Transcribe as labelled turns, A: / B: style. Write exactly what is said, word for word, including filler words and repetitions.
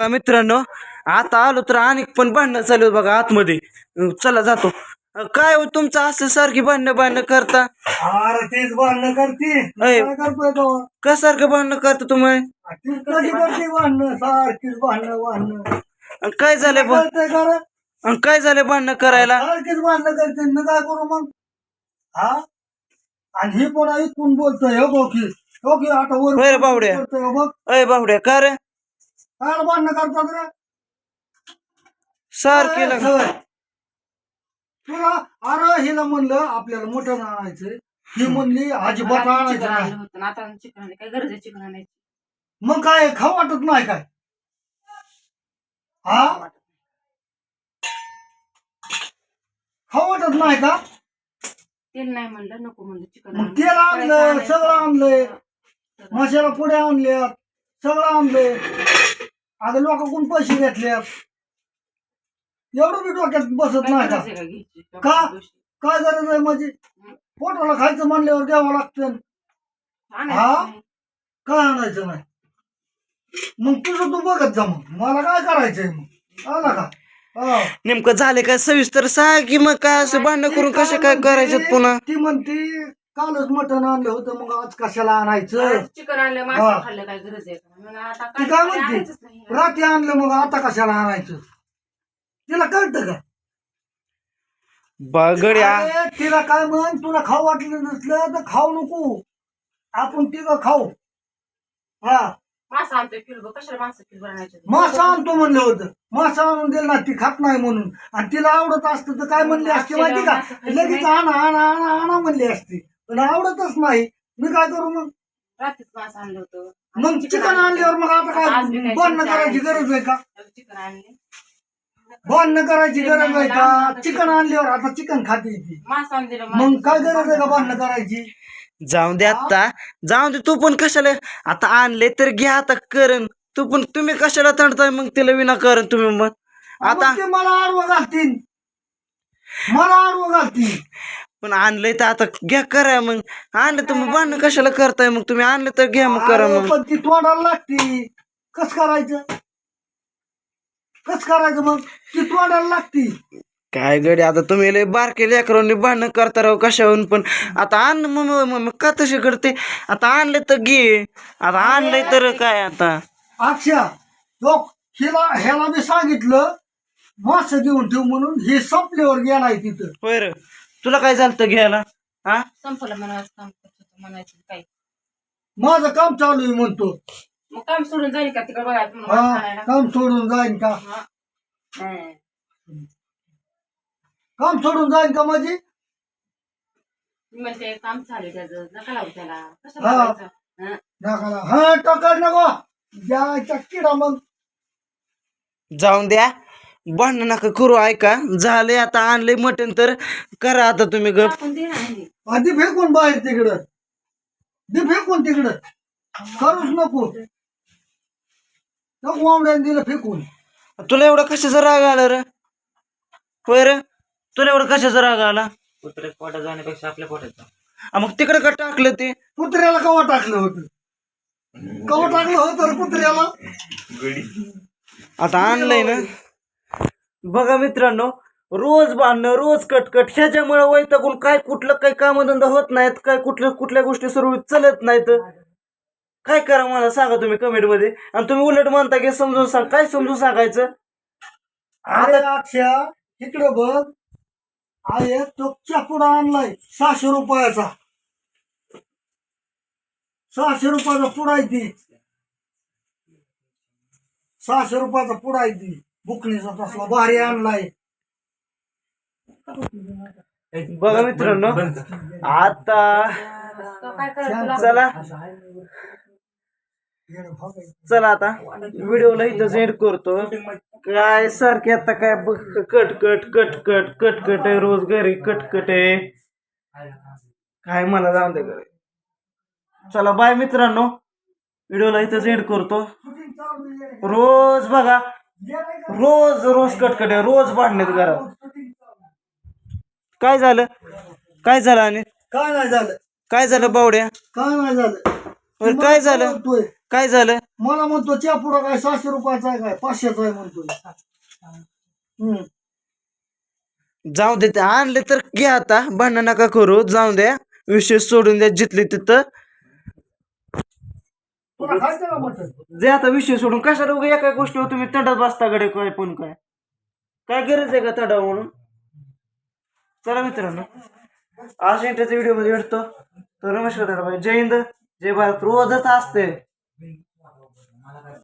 A: मित्रांनो आता आलो तर अनेक पण भांडणं चालू आहेत बघा आतमध्ये. अं, चला जातो. अं, काय हो तुमचं असं सारखी भांडणं भांडणं करता?
B: अरे तेच भांडणं करते
A: अय.
B: काय करतोय तो
A: का सारखं भांडणं करता तुम्ही?
B: तीच कधी करते भांडणं सारखीच भांडणं भांडणं
A: अं, काय झालंय भा-
B: कळतंय का रे?
A: अं, काय झालंय भांडणं करायला?
B: सारखीच भांडणं करते मी काय करू मग हा आणि ही पण ऐकून बोलतोय हो बघ की हो की आता वर
A: होय रे बावड्या.
B: करतोय हो बघ
A: अय बावड्या का रे
B: काय भांडणं करतात रे
A: सारखी
B: काय
A: लाग-
B: सवय? तुला अरे हिला म्हणलं आपल्याला मटण आणायचंय ही म्हणली अजिबात आणायचं नाही
C: आता चिकन आणायचं काय गरज आहे चिकन आणायची
B: मग काय खाऊ वाटत नाही काय हा खाऊ वाटत नाही का
C: तेल नाही म्हणलं नको म्हणलं चिकन
B: मग तेल आणलं सगळं आणलंय मसाला पुढे आणल्यात सगळं आणलंय आता लोकांकडून पैसे घेतल्यात एवढं बी डोक्यात बसत नाही का का? काय गरज आहे माझी पोटाला खायचं म्हणल्यावर द्यावं लागतं हा काय आणायचं नाही मग तुझं तू बघत जा मग मला काय करायचंय मग आला का हा.
A: नेमकं झाले काय सविस्तर सांग की मग काय असं भांडणं करून कसे काय करायचं पुन्हा?
B: ती म्हणती कालच मटण आणलं होतं मग आज कशाला आणायचं
C: चिकन आणलं
B: हा.
C: मासे खाल्लं काय गरज आहे का? म्हणून आता
B: ती काय म्हणते
C: नाही
B: रात्री आणलं मग आता कशाला आणायचं तिला कळतं का
A: बगड्या
B: अरे, तिला काय म्हण तुला खाऊ वाटलं नसलं तर खाऊ नको आपण तिघं खाऊ हा
C: मासा आणतोय किलो कशाला माणसं किलो बनायचे
B: मासा आणतो म्हणलं होतं मासा आणून दिलं ना ती खात नाही म्हणून आणि तिला आवडत असतं तर काय म्हणली असते माहिती का लगेच आणा आणा आणा आणा म्हणली असती पण आवडतच नाही मी काय करू मग
C: रात्रीच मासा आणलं होतं
B: मग चिकन आणल्यावर मग आता काय भांडणं करायची गरज आहे का
C: चिकन आणले
B: भांडणं करायची गरज आहे का चिकन आणल्यावर आता चिकन खाते ती
C: मासा आणून दिलं
B: मग काय गरज आहे का भांडणं करायची
A: जाऊन दे आता जाऊन दे तू पण कशाला आता आणले तर घ्या आता करण तू पण तुम्ही कशाला तणताय मग तिला विनाकारण तुम्ही मग आता
B: मग ते मला आडवं घालतील मला आडवं घालतील
A: पण आणलंय तर आता घ्या करा मग आणलं तर मग भांडणं कशाला करताय मग तुम्ही आणलं तर घ्या मग करा
B: अरे,
A: मग
B: पण ती तोंडाला लागती कस करायचं कस करायचं मग ती तोंडाला लागती
A: काय गडी आता तुम्ही लय बारके लेकरांनी भांडणं करता राव कशावरून पण आता आण मग मग- मग का तसे करते आता आणलं तर घे आता आणलंय तर काय आता
B: अक्षा लोक हिला ह्याला मी सांगितलं मास घेऊन ठेव म्हणून हे संपल्यावर गेलाय तिथं
A: होय रे तुला काय झालं घ्यायला हा
C: संपलं म्हणायचं काम करत होतं म्हणायचं काय
B: माझं काम चालू आहे म्हणतो
C: मग काम सोडून जाईल का तिकडे बघायचं म्हणून
B: हा
C: मासा आणायला?
B: काम सोडून जाईन का
C: हा. नाही.
B: काम सोडून जाईन का माझी
C: मी म्हणते काम चालू आहे त्याचं नका लावू त्याला कसं
B: हा.
C: बघायचं हा.
B: नका हा टकर नको द्यायचा किडा मग
A: जाऊन द्या भांडण नका करू ऐका झाले आता आणले मटण तर करा आता तुम्ही गप
C: आपण दे ना म्हणजे.
B: आधी फेकून बाहेर तिकडं दे फेकून तिकडं करूच नको नको वावड्याने दिलं फेकून
A: तुला एवढा कशाचा राग आला रे होय रे तुला एवढा कशाचा राग आला
D: कुत्र्यात पोटात जाण्यापेक्षा आपल्या पोटात जा.
A: आ, मग तिकडे का टाकलं ते
B: कुत्र्याला कवा टाकलं होतं कवा टाकलं होतं रे कुत्र्याला
A: आता आणलंय ना बघा मित्रांनो रोज बांधणं रोज कटकट ह्याच्यामुळे वैतागून काय कुठलं काही कामधंदा होत नाहीत काय कुठल्या कुठल्या गोष्टी सुरू चलत नाहीत काय करा मला सांगा तुम्ही कमेंट मध्ये आणि तुम्ही उलट म्हणता की समजून सांग काय समजून सांगायचं
B: अरे अक्षय इकडं बघ आहे तो चापुडा आणलाय सहाशे रुपयाचा सहाशे रुपयाचा पुडा आहे ती सहाशे रुपयाचा पुडा आहे ती बुकणीचा तसला भारी आणलाय
A: बघा मित्रांनो आता
C: तो काय करायचं तुला?
A: चला चला आता व्हिडिओला इथं एंड करतो काय सारखे आता काय बघ cut cut cut cut cut cut आहे रोज घरी कटकट आहे काय मला जाऊन दे घरी चला बाय मित्रांनो व्हिडिओला इथं एंड करतो रोज बघा रोज रोज कटकट आहे रोज भांडण्यात घरात काय झालं काय झालं आणि
B: काय नाही झालं
A: काय झालं बावड्या
B: काय नाही झालं
A: बरं, काय झालं
B: बोलतोय.
A: काय झालं
B: मला म्हणतो च्या पुढं काय सहाशे रुपयाचा आहे काय पाचशेचा आहे म्हणतोय. हम्म.
A: जाऊ दे ते आणले तर घ्या आता भांडण नका करू जाऊ द्या विषय सोडून द्या जिथले तिथं
B: तुला खायचं का मटण?
A: जे आता विषय सोडून कशाला उगा एका गोष्टीवर तुम्ही तंडात बसता कडे काय पण काय काय गरज आहे का तंडा म्हणून. चला मित्रांनो आज इंटरच्या व्हिडिओ मध्ये भेटतो तर नमस्कार जय हिंद जय भारत रोजच असते.